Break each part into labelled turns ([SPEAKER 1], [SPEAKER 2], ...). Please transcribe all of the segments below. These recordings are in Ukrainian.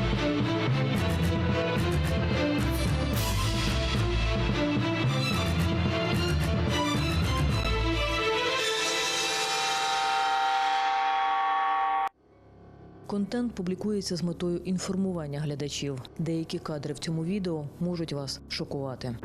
[SPEAKER 1] Контент публікується з метою інформування глядачів. Деякі кадри в цьому відео можуть вас шокувати.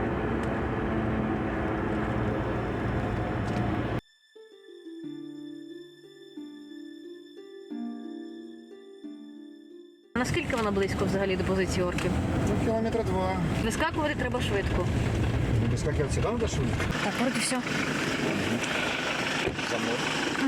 [SPEAKER 1] Наскільки вона близько взагалі до позиції орків?
[SPEAKER 2] Кілометра 2.
[SPEAKER 1] Вискакувати треба швидко.
[SPEAKER 2] Вискакивать сюда надо, что ли?
[SPEAKER 1] Так, вроді все.
[SPEAKER 2] За мной.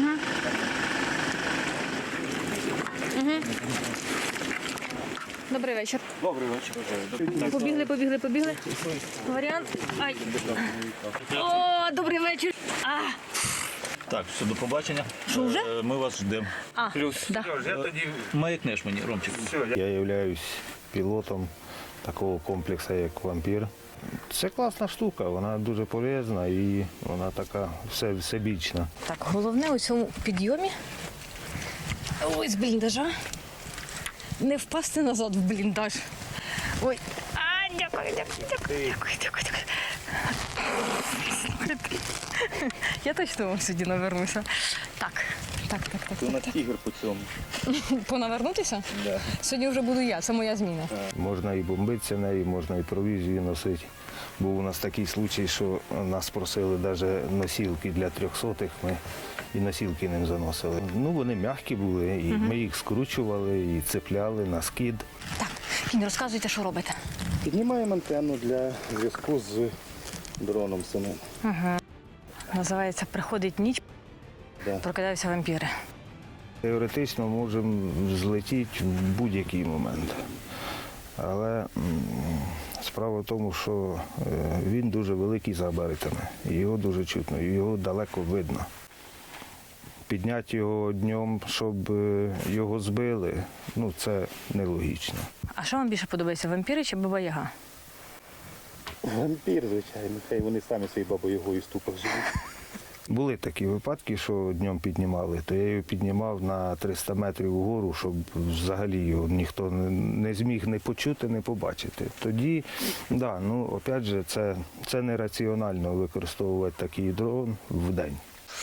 [SPEAKER 1] Добрий вечір.
[SPEAKER 2] Добрий вечір.
[SPEAKER 1] Побігли. Варіант. Ай. О, добрий вечір.
[SPEAKER 3] Так, все, до побачення.
[SPEAKER 1] Що, вже?
[SPEAKER 3] Ми вас ждемо.
[SPEAKER 2] Плюс.
[SPEAKER 1] Да.
[SPEAKER 3] Маякнеш мені, Ромчик.
[SPEAKER 4] Я являюсь пілотом такого комплексу, як «Вампір». Це класна штука, вона дуже полезна і вона така всебічна.
[SPEAKER 1] Так, головне у цьому підйомі, ой, з бліндажа, не впасти назад в бліндаж. Ой, дякую. Я точно вам сьогодні навернуся. Так.
[SPEAKER 3] Ти на тігр по цьому.
[SPEAKER 1] Понавернутися?
[SPEAKER 3] Да.
[SPEAKER 1] Сьогодні вже буду я, це моя зміна.
[SPEAKER 4] Можна і бомбитися нею, можна і провізію носити. Був у нас такий случай, що нас просили навіть носілки для 300-х, ми і носілки ним заносили. Ну, вони м'які були, і ми їх скручували, і цепляли на скид.
[SPEAKER 1] Так, Кінь, розказуйте, що робите.
[SPEAKER 2] Піднімаємо антенну для зв'язку з дроном самим.
[SPEAKER 1] Називається «Приходить ніч,
[SPEAKER 2] Да.
[SPEAKER 1] прокидаються вампіри».
[SPEAKER 4] Теоретично можемо злетіти в будь-який момент. Але справа в тому, що він дуже великий за габаритами, і його дуже чутно, і його далеко видно. Підняти його днем, щоб його збили, ну це нелогічно.
[SPEAKER 1] А що вам більше подобається, вампіри чи Баба Яга?
[SPEAKER 2] Вампір, звичайно. Хай вони самі своєю бабою ступах живуть.
[SPEAKER 4] Були такі випадки, що днем піднімали, то я його піднімав на 300 метрів вгору, щоб взагалі його ніхто не зміг не почути, не побачити. Тоді, да, ну, опять же, це нераціонально використовувати такий дрон в день.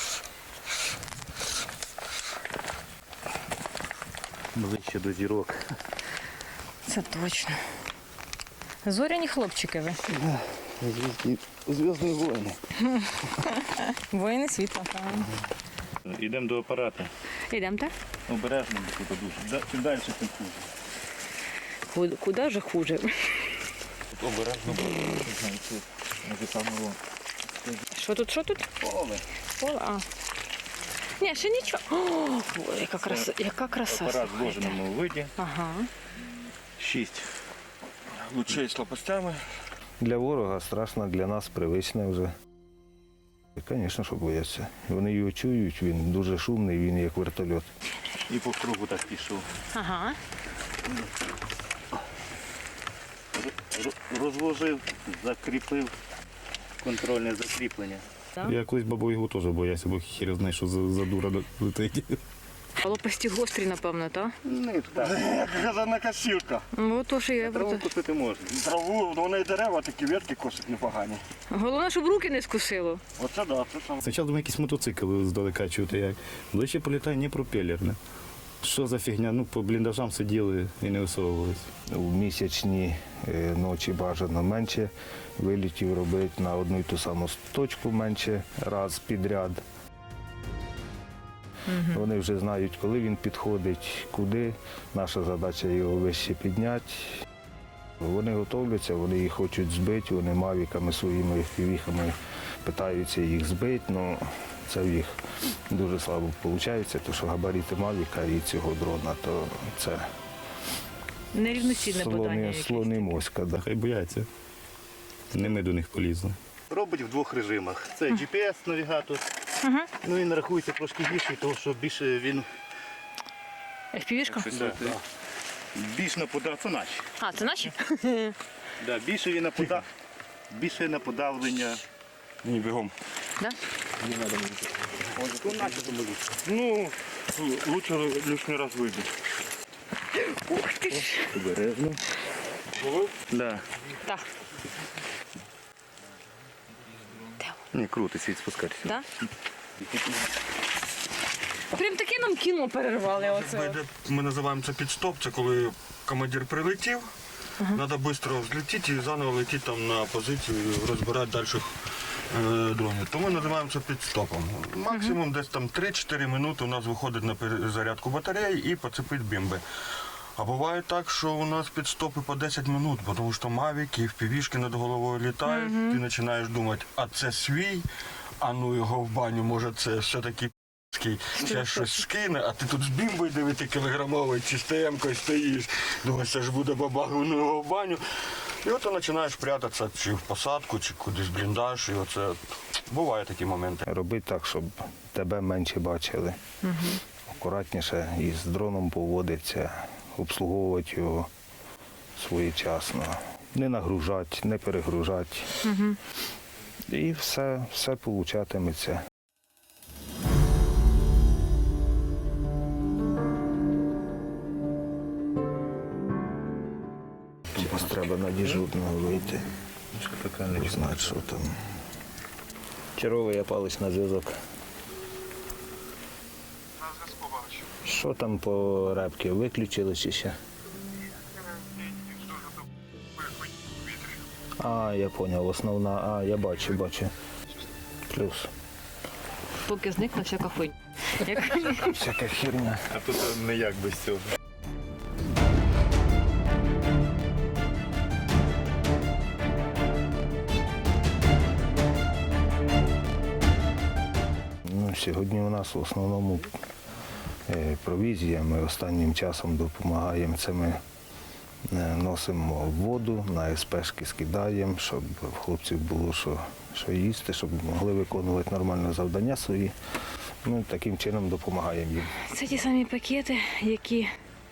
[SPEAKER 2] Ближче до зірок.
[SPEAKER 1] Це точно. Зоряні хлопчики ви.
[SPEAKER 2] Зв'язні воїни.
[SPEAKER 1] Воїни світла.
[SPEAKER 3] Йдемо до апарата.
[SPEAKER 1] Йдемо, так?
[SPEAKER 3] Обережно тут дуже. Чим далі, тим хуже.
[SPEAKER 1] Куди же хуже?
[SPEAKER 3] Обережно, може там його.
[SPEAKER 1] Що тут? Поле, а. Ні, ще нічого. О, яка краса.
[SPEAKER 3] Апарат в зложеному виді.
[SPEAKER 1] Ага.
[SPEAKER 3] 6 лучей з лопастями.
[SPEAKER 4] Для ворога страшно, для нас привичне вже. Звісно, що бояться. Вони його чують, він дуже шумний, він як вертольот.
[SPEAKER 3] І по кругу так пішов.
[SPEAKER 1] Ага.
[SPEAKER 3] Розложив, закріпив контрольне закріплення.
[SPEAKER 5] Я колись Бабу Ягу теж боявся, бо хір знає, що за дура летить.
[SPEAKER 1] Лопасті гострі, напевно, так?
[SPEAKER 2] Не, так. Газана косілка.
[SPEAKER 1] Ну, то що я про
[SPEAKER 3] Траву
[SPEAKER 1] це.
[SPEAKER 3] купити можна.
[SPEAKER 2] Траву, вони і дерева, такі ветки косять непогані.
[SPEAKER 1] Головне, щоб руки не скусило.
[SPEAKER 2] Оце да, це саме.
[SPEAKER 5] Спочатку думаю, якийсь мотоцикл здалека чути, як. Ближче політає не пропелерне. Що за фігня? Ну, по бліндажам сиділи і не висовувалися.
[SPEAKER 4] У місячні ночі бажано менше вилітів робити на одну і ту саму точку менше раз підряд. Вони вже знають, коли він підходить, куди. Наша задача його вище підняти. Вони готовляться, вони їх хочуть збити, вони мавіками своїми впівіхами питаються їх збити, але це в їх дуже слабо виходить, тому що габарити мавіка і цього дрона, то це
[SPEAKER 1] Нерівноцінне подання.
[SPEAKER 4] слони моська. Да.
[SPEAKER 5] Хай бояться. Не ми до них полізли.
[SPEAKER 3] Робить в двох режимах. Це GPS-навігатор. Ну він рахується трошки більший, тому що більше він
[SPEAKER 1] FPV-шка?
[SPEAKER 3] більш нападав. Це наші.
[SPEAKER 1] А, це наші?
[SPEAKER 3] Да, більше він більше на подавлення.
[SPEAKER 2] Ні, бігом.
[SPEAKER 1] Да?
[SPEAKER 2] Ну, лучше лишній раз вийде.
[SPEAKER 1] Ух ти ж.
[SPEAKER 3] Обережно. Да.
[SPEAKER 1] Так.
[SPEAKER 3] Ні, круто, світ спускатися.
[SPEAKER 1] Да? Прям таке нам кіно перервали оце.
[SPEAKER 6] Ми називаємо це підстоп, це коли командир прилетів, треба швидко взлетіти і заново летіти там на позицію, розбирати далі дронів. Тому називаємо це підстопом. Максимум десь там 3-4 минути у нас виходить на перезарядку батареї і поцепить бімби. А буває так, що у нас підстопи по 10 минут, тому що мавіки і впівішки над головою літають, ти починаєш думати, а це свій, а ну його в баню, може це все-таки ще щось скине, а ти тут з бімбою 9-кілограмовою чи з ТМ-кою стоїш, думаєш, це ж буде бабагу на його в баню. І от ти починаєш прятатися чи в посадку, чи кудись в бліндаж, і оце бувають такі моменти.
[SPEAKER 4] Роби так, щоб тебе менше бачили. Акуратніше і з дроном поводиться, обслуговувати його своєчасно. Не нагружати, не перегружати. І все получатиметься. Зараз треба на дежурного вийти. Знати, що там. Черговий я палець на зв'язок. Що там по репки? Виключили чи ще? А, я зрозумів, основна, я бачу. Плюс.
[SPEAKER 1] Поки зникла всяка хуйня.
[SPEAKER 4] Всяка херня.
[SPEAKER 5] А тут не як без цього.
[SPEAKER 4] Сьогодні у нас в основному провізія. Ми останнім часом допомагаємо. Це ми носимо воду, на СПшки скидаємо, щоб в хлопців було що їсти, щоб могли виконувати нормальне завдання свої. Ми таким чином допомагаємо їм.
[SPEAKER 1] Це ті самі пакети, які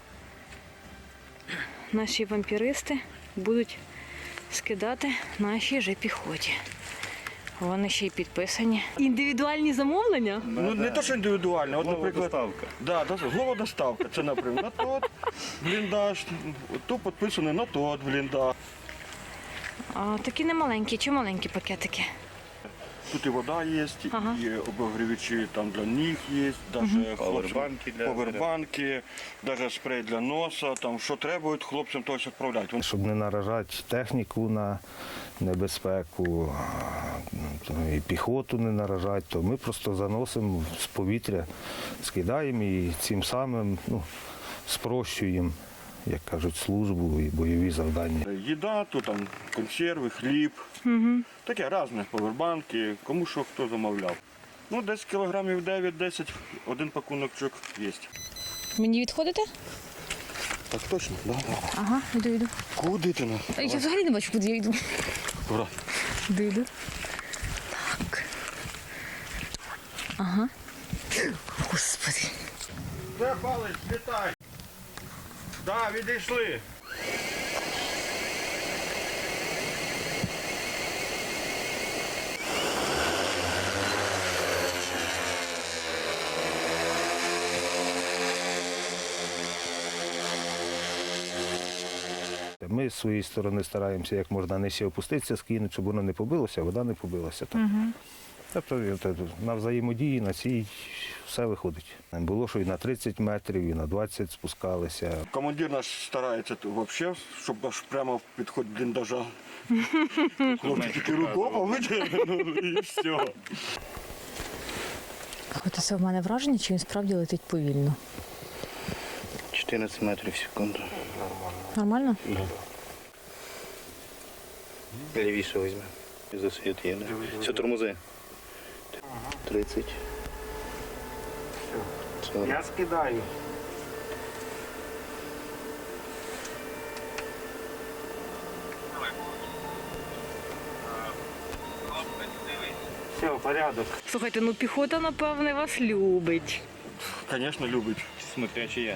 [SPEAKER 1] наші вампіристи будуть скидати нашій же піхоті. Вони ще й підписані. Індивідуальні замовлення?
[SPEAKER 6] Ну не то, що індивідуально, от, наприклад,
[SPEAKER 5] Доставка.
[SPEAKER 6] да, голодоставка. Це, наприклад, на тот бліндаж, тут підписано на тот бліндаж.
[SPEAKER 1] А, такі не маленькі, чи маленькі пакетики?
[SPEAKER 6] Тут і вода є,
[SPEAKER 1] Ага.
[SPEAKER 6] і обогрівачі там для ніг є, навіть
[SPEAKER 5] Павербанки для
[SPEAKER 6] повербанки, навіть спрей для носа, там що треба, хлопцям то відправляють.
[SPEAKER 4] Щоб не наражати техніку на небезпеку, і піхоту не наражати, то ми просто заносимо з повітря, скидаємо і цим самим спрощуємо, як кажуть, службу і бойові завдання.
[SPEAKER 6] Їда, тут там консерви, хліб, таке різне, повербанки, кому що хто замовляв. Ну, десь кілограмів 9-10, один пакуночок є.
[SPEAKER 1] Мені відходите?
[SPEAKER 6] Так точно? Да.
[SPEAKER 1] Ага, йду.
[SPEAKER 6] Куди ти?
[SPEAKER 1] Я взагалі не бачу, куди я йду.
[SPEAKER 6] Ура.
[SPEAKER 1] Йду. Так. Ага. Господи.
[SPEAKER 6] Де палець, літай. Да, відійшли.
[SPEAKER 4] Ми з своєї сторони стараємося як можна нижче опуститися, скинути, щоб воно не побилося, а вода не побилася. Тобто на взаємодії на цій все виходить. Було, що і на 30 метрів, і на 20 спускалися.
[SPEAKER 6] Командир наш старається взагалі, щоб аж прямо в підход бліндажа. Хлопці тільки рукопа витягнули і все.
[SPEAKER 1] От це в мене враження, чи він справді летить повільно.
[SPEAKER 3] 14 метрів в секунду.
[SPEAKER 1] Нормально?
[SPEAKER 3] Лівіше візьме. Засвіт є. Все, тормози. 30. 40.
[SPEAKER 4] Я скидаю. Все, порядок.
[SPEAKER 1] Слухайте, ну піхота, напевне, вас любить.
[SPEAKER 6] Звісно, любить.
[SPEAKER 5] Смотрячи я.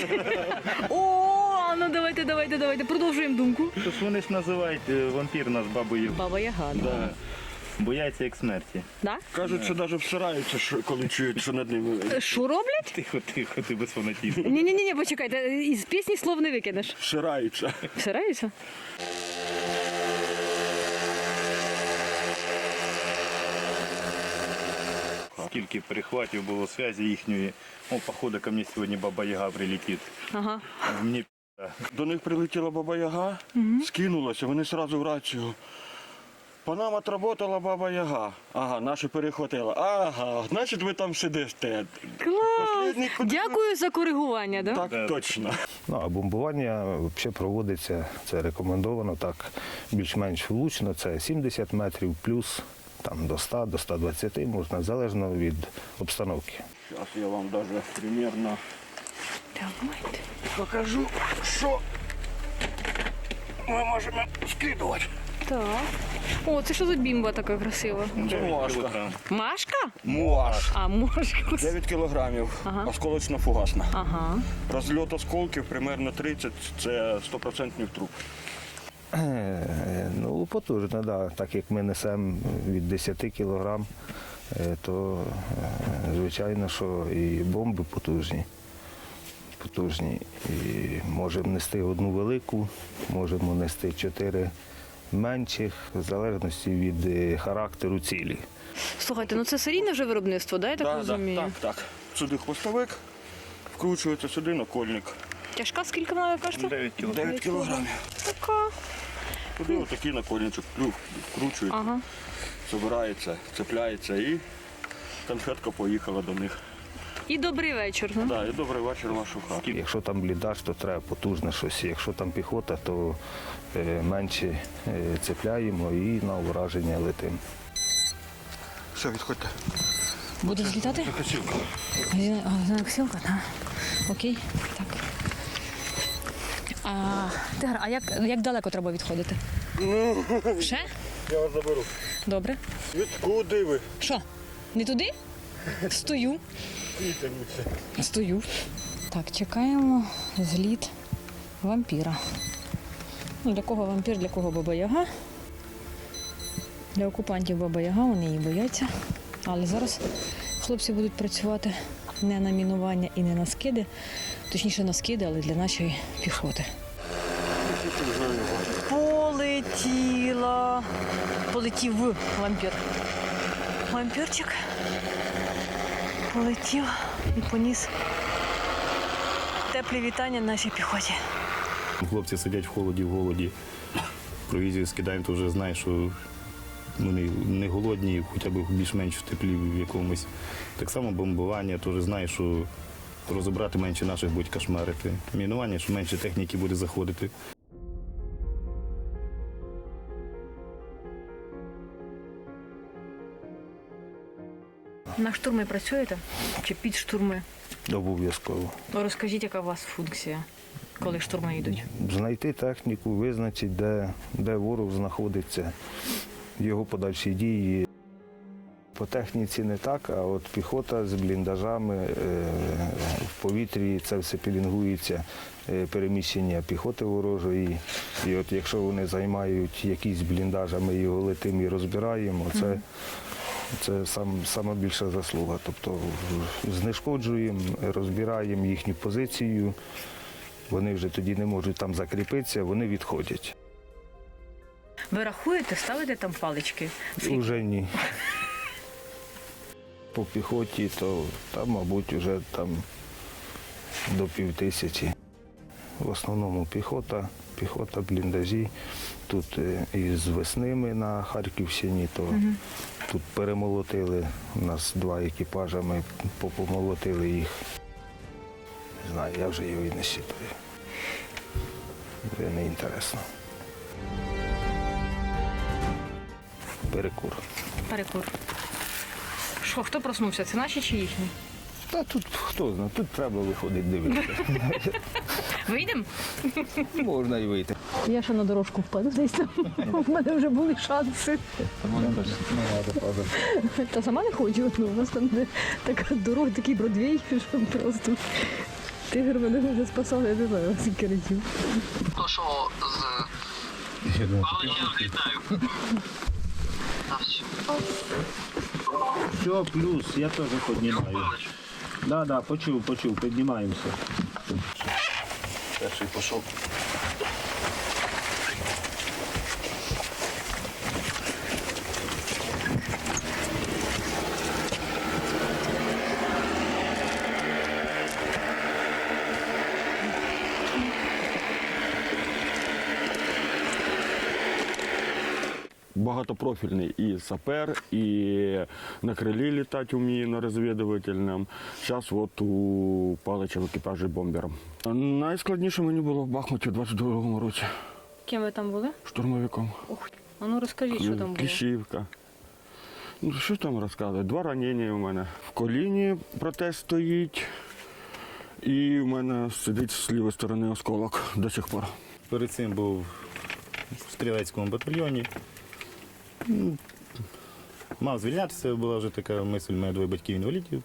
[SPEAKER 1] О, ну давайте, продовжуємо думку.
[SPEAKER 5] Тож вони ж називають вампір нас бабою.
[SPEAKER 1] Баба Яга.
[SPEAKER 6] Да.
[SPEAKER 5] Бояться як смерті.
[SPEAKER 1] Да?
[SPEAKER 6] Кажуть, що навіть всираються, коли чують, що над ними
[SPEAKER 1] Що роблять?
[SPEAKER 5] Тихо, ти без фанатізму.
[SPEAKER 1] Ні, почекайте, із пісні слов не викинеш.
[SPEAKER 6] всираються.
[SPEAKER 1] Всираються?
[SPEAKER 5] Скільки перехватів було зв'язі їхньої. О, походу, ко мені сьогодні Баба Яга прилетить.
[SPEAKER 1] Ага.
[SPEAKER 5] Мені
[SPEAKER 6] До них прилетіла Баба Яга, скинулася, вони одразу в рацію. По нам отработала Баба Яга. Ага, наші перехватила. Ага, значить ви там сидите.
[SPEAKER 1] Клас!
[SPEAKER 6] Послідній куди-
[SPEAKER 1] Дякую за коригування, да?
[SPEAKER 6] Так, точно.
[SPEAKER 4] Ну, а бомбування взагалі проводиться, це рекомендовано так більш-менш влучно, це 70 метрів плюс там, до 100, до 120 можна, залежно від обстановки.
[SPEAKER 6] Зараз я вам навіть примірно
[SPEAKER 1] Давайте.
[SPEAKER 6] покажу, що ми можемо скидувати.
[SPEAKER 1] Так. О, це що за бімба така красива?
[SPEAKER 6] Це муашка.
[SPEAKER 1] Машка?
[SPEAKER 6] Муаш.
[SPEAKER 1] А, мошка.
[SPEAKER 6] 9 кілограмів,
[SPEAKER 1] Ага.
[SPEAKER 6] осколочно-фугасна.
[SPEAKER 1] Ага.
[SPEAKER 6] Розльот осколків примерно 30, це 100% труп.
[SPEAKER 4] Ну, потужно, да. Так як ми несемо від 10 кілограм, то звичайно, що і бомби потужні. І можемо нести одну велику, можемо нести 4 менших, в залежності від характеру цілі.
[SPEAKER 1] Слухайте, ну це серійне вже виробництво, да, я так розумію?
[SPEAKER 6] Так. Сюди хвостовик, вкручується сюди накольник.
[SPEAKER 1] Тяжка скільки вона, кажете?
[SPEAKER 6] 9 кілограмів.
[SPEAKER 1] Така.
[SPEAKER 6] Туди отакий накольничок вкручується,
[SPEAKER 1] Ага.
[SPEAKER 6] збирається, цепляється і конфетка поїхала до них.
[SPEAKER 1] І добрий вечір. Ну?
[SPEAKER 6] Да, і добрий вечір, вашу хату.
[SPEAKER 4] Якщо там бліндаж, то треба потужне щось. Якщо там піхота, то менше цепляємо і на ураження летимо.
[SPEAKER 6] Все, відходьте.
[SPEAKER 1] Буде злітати?
[SPEAKER 6] Косілка.
[SPEAKER 1] Косілка, так. Окей, так. Тигр, а як далеко треба відходити? Ще?
[SPEAKER 6] Я вас заберу.
[SPEAKER 1] Добре.
[SPEAKER 6] Куди ви?
[SPEAKER 1] Що? Не туди? Стою. Стою. Так, чекаємо зліт вампіра. Ну, для кого вампір, для кого Баба Яга. Для окупантів Баба Яга, вони її бояться. Але зараз хлопці будуть працювати не на мінування і не на скиди. Точніше на скиди, але для нашої піхоти. Полетіла. Полетів вампір. Вампірчик полетів і поніс теплі вітання нашій піхоті.
[SPEAKER 5] Хлопці сидять в холоді, в голоді. Провізію скидаємо, то вже знаєш, що вони не голодні, хоча б більш-менш в теплі в якомусь. Так само бомбування, то вже знаєш, що розібрати менше наших будуть кошмарити. Мінування, що менше техніки буде заходити.
[SPEAKER 1] На штурми працюєте? Чи під штурми?
[SPEAKER 4] Обов'язково.
[SPEAKER 1] Розкажіть, яка у вас функція, коли штурми йдуть?
[SPEAKER 4] Знайти техніку, визначити, де ворог знаходиться, його подальші дії. По техніці не так, а от піхота з бліндажами в повітрі, це все пілінгується, переміщення піхоти ворожої. І от якщо вони займають якісь бліндажі, ми його летимо і розбираємо, це сама більша заслуга. Тобто знешкоджуємо, розбираємо їхню позицію, вони вже тоді не можуть там закріпитися, вони відходять.
[SPEAKER 1] Ви рахуєте, ставите там палички?
[SPEAKER 4] Уже ні. По піхоті, то там, мабуть, вже там до 5000. В основному піхота, бліндажі. Тут із Весними на Харківщині, то тут перемолотили, у нас 2 екіпажі, ми попомолотили їх. Не знаю, я вже його і не щитую. Вже не інтересно. Перекур.
[SPEAKER 1] Перекур. Що, хто проснувся? Це наші чи їхні?
[SPEAKER 4] Та тут хто знає, тут треба виходити дивитися.
[SPEAKER 1] Вийдемо?
[SPEAKER 4] Можна й вийти.
[SPEAKER 1] Я ще на дорожку впаду десь там. У мене вже були шанси. Та сама не хочу. Ну, у нас там така дорога, такий Бродвей, що просто тигр мене вже спасав, я не знаю, скільки разів.
[SPEAKER 7] То, що з Палича злітаю. Все, плюс, я теж піднімаю. Да, почув, піднімаємося.
[SPEAKER 3] Перший пішов.
[SPEAKER 8] Багатопрофільний і сапер, і на крилі літати вміє на розвідувальному. Зараз от у Палича в екіпажі бомбером. Найскладніше мені було в Бахмуті у 22-му році.
[SPEAKER 1] Ким ви там були?
[SPEAKER 8] Штурмовиком.
[SPEAKER 1] А ну розкажіть, що там було.
[SPEAKER 8] Кліщівка. Ну, що там розказувати? 2 ранення у мене. В коліні протез стоїть, і в мене сидить з лівої сторони осколок до сих пор.
[SPEAKER 5] Перед цим був в стрілецькому батальйоні. Мав звільнятися, була вже така мисль, у мене 2 батьків інвалідів.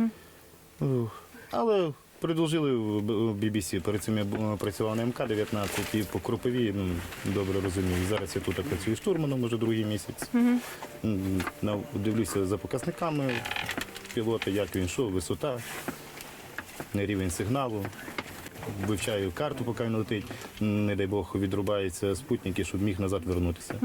[SPEAKER 5] Але продовжили в BBC. Перед цим я працював на МК-19 і по Кропиві, добре розумію. Зараз я тут працюю штурманом вже 2-й місяць. Дивлюся за показниками пілота, як він йшов, висота, рівень сигналу. Вивчаю карту, поки він летить. Не дай Бог, відрубаються спутники, щоб міг назад вернутися.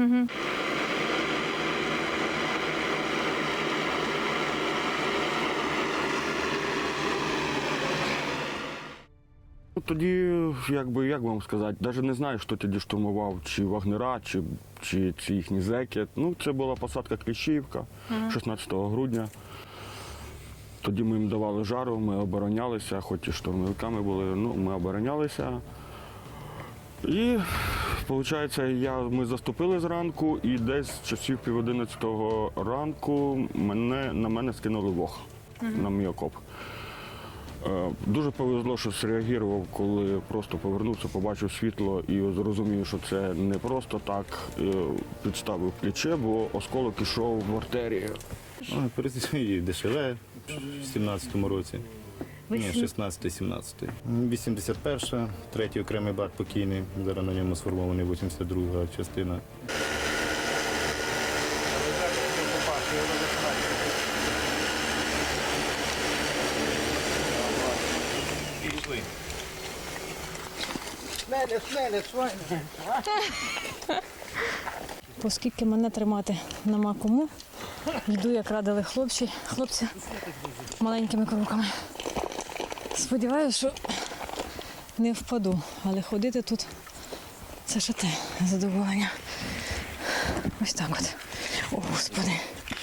[SPEAKER 8] Тоді, як вам сказати, навіть не знаю, хто тоді штурмував, чи вагнера, чи їхні зеки. Ну, це була посадка Кліщівка 16 грудня. Тоді ми їм давали жару, ми оборонялися, хоч і штурмовиками були, ми оборонялися. І, виходить, ми заступили зранку, і десь часів 10:30 ранку на мене скинули вог на мій окоп. Дуже повезло, що зреагував, коли просто повернувся, побачив світло і зрозумів, що це не просто так, підставив плече, бо осколок ішов в артерію.
[SPEAKER 5] Перед ДШВ в 17-му році. Ні, 16-17. 81-ша, 3-й окремий бат покійний. Зараз на ньому сформований 82-га частина.
[SPEAKER 1] Оскільки мене тримати нема кому, йду, як радили хлопці маленькими кроками. Сподіваюся, що не впаду, але ходити тут це ще те задоволення. Ось так от. О, Господи.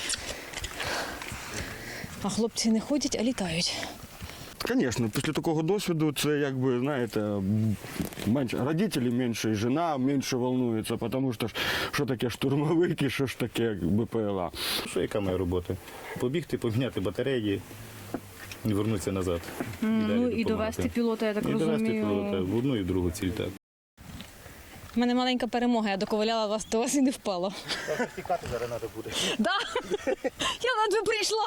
[SPEAKER 1] А хлопці не ходять, а літають.
[SPEAKER 8] Звісно, після такого досвіду це, якби, знаєте, менше родителі менше, і жена менше волнується, тому що таке штурмовики, що ж таке БПЛА.
[SPEAKER 5] Що яка моя робота? Побігти, поміняти батареї і вернутися назад.
[SPEAKER 1] Ну і довести пілота, я так розумію.
[SPEAKER 5] І довести пілота в одну і в другу ціль. Так.
[SPEAKER 1] У мене маленька перемога, я доковиляла до вас і не впала.
[SPEAKER 3] Тікати зараз треба буде.
[SPEAKER 1] Так, я ледве прийшла.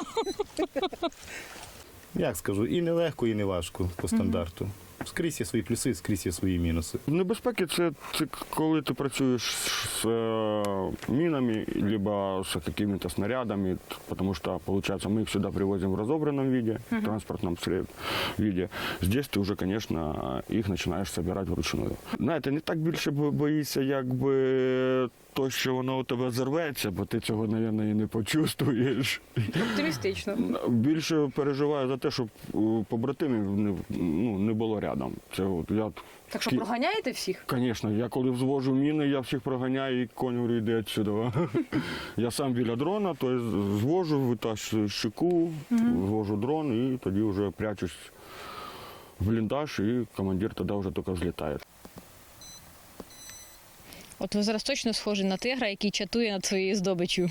[SPEAKER 5] Як скажу, і не легко, і не важко по стандарту. Скрізь є свої плюси, скрізь є свої мінуси.
[SPEAKER 8] Небезпеки це коли ти працюєш з мінами, або з якимись снарядами, тому що, виходить, ми їх сюди привозимо в розобраному виде, в транспортному виде. Здесь ти вже, звісно, їх починаєш збирати вручную. Знаєте, не так більше боїшся, якби то, що воно у тебе зірветься, бо ти цього, мабуть, і не почувствуєш.
[SPEAKER 1] Оптимістично.
[SPEAKER 8] Більше переживаю за те, щоб побратимів не було рядом. Це от я.
[SPEAKER 1] Так що проганяєте всіх?
[SPEAKER 8] Звісно, я коли взвожу міни, я всіх проганяю і конь говорю, йди відсюди. Я сам біля дрона, то звожу, витащую щеку, звожу дрон і тоді вже прячусь в бліндаж, і командир тоді вже тільки взлітає.
[SPEAKER 1] От ви зараз точно схожі на тигра, який чатує над своєю здобиччю.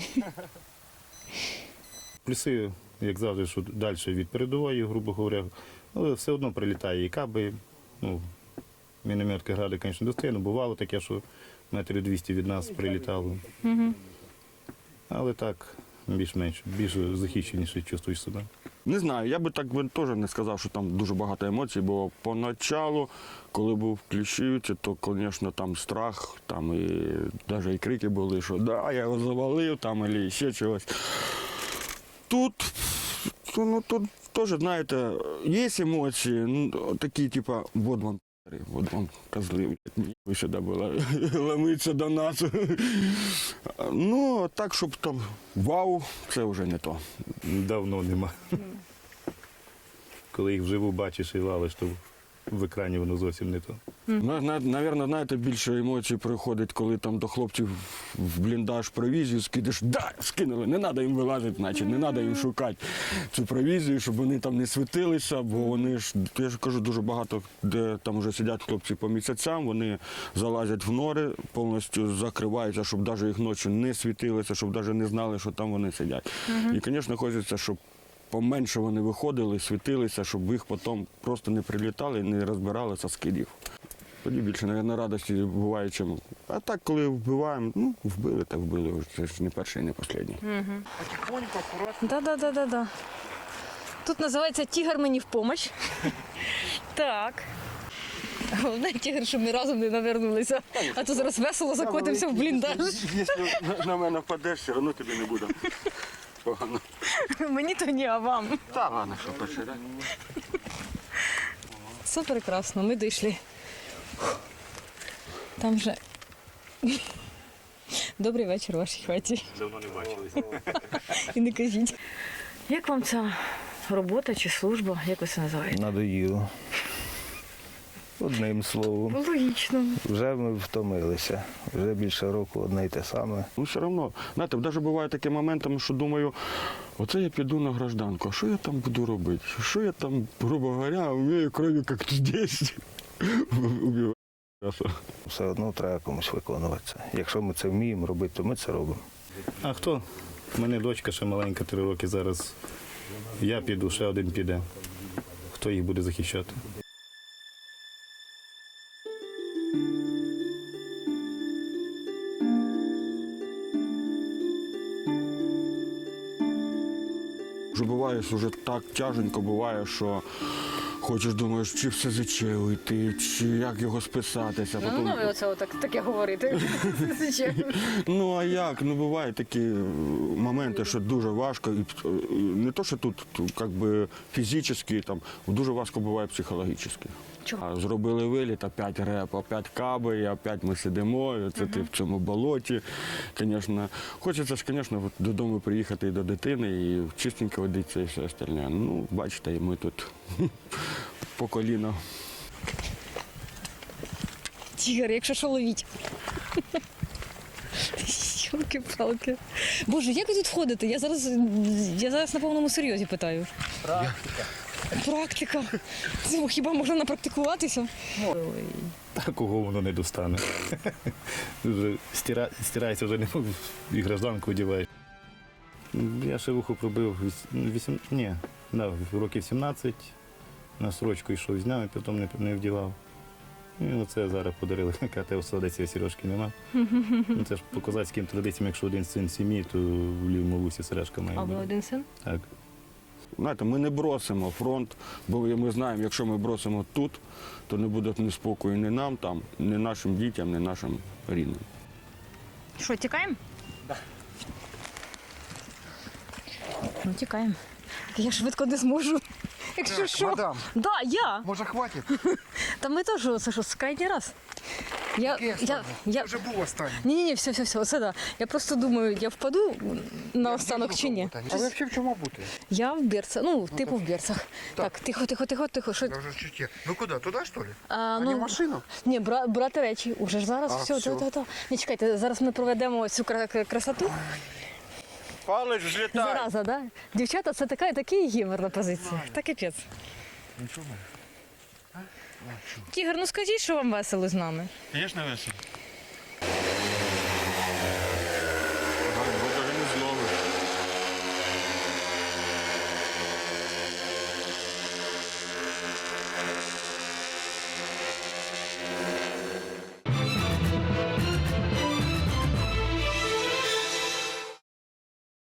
[SPEAKER 5] Плюси, як завжди, що далі від передової, грубо говоря, але все одно прилітає і каби. Мінометка гради, звісно, достає, бувало таке, що 200 від нас прилітало. Але так, більш-менш, більш захищеніше чувствуєш себе.
[SPEAKER 8] Не знаю, я би так теж не сказав, що там дуже багато емоцій, бо поначалу, коли був в Кліщівці, то, звісно, там страх, там і навіть і крики були, що да, я його завалив, там, або ще чогось. Тут теж, знаєте, є емоції, ну, такі, типа, вот вам козли, ви сюди були, ломиться до нас. Ну, так, щоб там вау, це вже не то.
[SPEAKER 5] Давно нема. Коли їх вживу бачиш і валиш, то в екрані воно зовсім не то.
[SPEAKER 8] Навірно, знаєте, більше емоцій приходить, коли там до хлопців в бліндаж провізію скидеш. Да, скинули, не треба їм вилазити, значить, не треба їм шукати цю провізію, щоб вони там не світилися, бо вони ж, я ж кажу, дуже багато, де там вже сидять хлопці по місяцям, вони залазять в нори, повністю закриваються, щоб навіть їх ночі не світилися, щоб навіть не знали, що там вони сидять. І, звісно, хочеться, щоб поменше вони виходили, світилися, щоб їх потім просто не прилітали і не розбиралися з скидів. Тоді більше, мабуть, радості буває, чим. А так, коли вбиваємо, ну, вбили, так вбили. Це ж не перший і не останній.
[SPEAKER 6] Потихоньку, акуратно.
[SPEAKER 1] Да. Тут називається «Тігр мені в помощь». Так. Головне, тігр, щоб ми разом не навернулися. А то зараз весело закотимося в бліндаж.
[SPEAKER 8] Якщо на мене впадеш, все одно тобі не буде погано.
[SPEAKER 1] Мені то ні, а вам.
[SPEAKER 8] Та ладно, що почерять.
[SPEAKER 1] Все прекрасно, ми дійшли. Там вже добрий вечір у вашій хаті.
[SPEAKER 5] Давно не бачились.
[SPEAKER 1] І не кажіть. Як вам ця робота чи служба, як ви це називаєте?
[SPEAKER 4] Надоїло. Одним словом.
[SPEAKER 1] Логічно.
[SPEAKER 4] Вже ми втомилися. Вже більше року одне й те саме.
[SPEAKER 8] Ну, все одно, знаєте, навіть буває такі моменти, що думаю, оце я піду на гражданку, а що я там буду робити? Що я там, грубо говоря, вмію кров'ю, як тут десь. Убиваю.
[SPEAKER 4] Все одно треба комусь виконувати це. Якщо ми це вміємо робити, то ми це робимо.
[SPEAKER 5] А хто? У мене дочка ще маленька, 3 роки зараз. Я піду, ще один піде. Хто їх буде захищати?
[SPEAKER 8] Вже буває, що вже так тяженько буває, що хочеш, думаєш, чи все СЗЧ уйти, чи як його списатися.
[SPEAKER 1] Ну, ви оце таке говорите.
[SPEAKER 8] Ну а як? Ну бувають такі моменти, що дуже важко. І не то, що тут якби фізично, там дуже важко буває психологічно.
[SPEAKER 1] Чого?
[SPEAKER 8] Зробили виліт, опять реп, опять каби, і опять ми сидимо, і це ти в цьому болоті. Звісно, хочеться ж, звісно, додому приїхати і до дитини, і чистенько водитися і все остальне. Ну, бачите, і ми тут по коліна.
[SPEAKER 1] Тігр, якщо що, ловіть. Йолки-палки. Боже, як ви тут ходите? Я зараз на повному серйозі питаю. Практика. Це хіба можна напрактикуватися?
[SPEAKER 5] Такого воно не достане. Вже стирається, вже не і гражданку одягаєш. Я шевуху пробив років 17, на срочку йшов з днями, потім не вдівав. І оце зараз подарили. КТ у Солодеці, сережки нема. Ну, це ж по козацьким традиціям, якщо один син сім'ї, то в лівому вусі сережка має
[SPEAKER 1] А ви
[SPEAKER 5] бути.
[SPEAKER 1] один син?
[SPEAKER 5] Так.
[SPEAKER 8] Знаєте, ми не бросимо фронт, бо ми знаємо, якщо ми бросимо тут, то не буде ні спокою ні нам там, ні нашим дітям, ні нашим рідним.
[SPEAKER 1] Що, тікаємо? Так. Ну, тікаємо. Я швидко не зможу. Якщо що.
[SPEAKER 2] Мадам,
[SPEAKER 1] Да, я.
[SPEAKER 2] може хватить?
[SPEAKER 1] Та ми теж, це що, крайній раз. Я
[SPEAKER 2] Вже був останній.
[SPEAKER 1] Ні, все, оце да. Я просто думаю, я впаду на останок чи ні.
[SPEAKER 2] А ви взагалі в чому бути?
[SPEAKER 1] Я в берцах, ну, типу в берцах. Так, тихо. Що?
[SPEAKER 2] Я вже чуть. Ну куди? Туди, що ли?
[SPEAKER 1] А,
[SPEAKER 2] Не в машину?
[SPEAKER 1] Ні, брати речі. Уже ж зараз все.
[SPEAKER 2] все.
[SPEAKER 1] Ні, чекайте, зараз ми проведемо цю красоту.
[SPEAKER 8] Палець злітає.
[SPEAKER 1] Зараза, да? Дівчата, це такий гімер на позиції. Та капець.
[SPEAKER 2] Нічого.
[SPEAKER 1] Тігр, ну скажіть, що вам весело з нами.
[SPEAKER 6] Звісно, весело.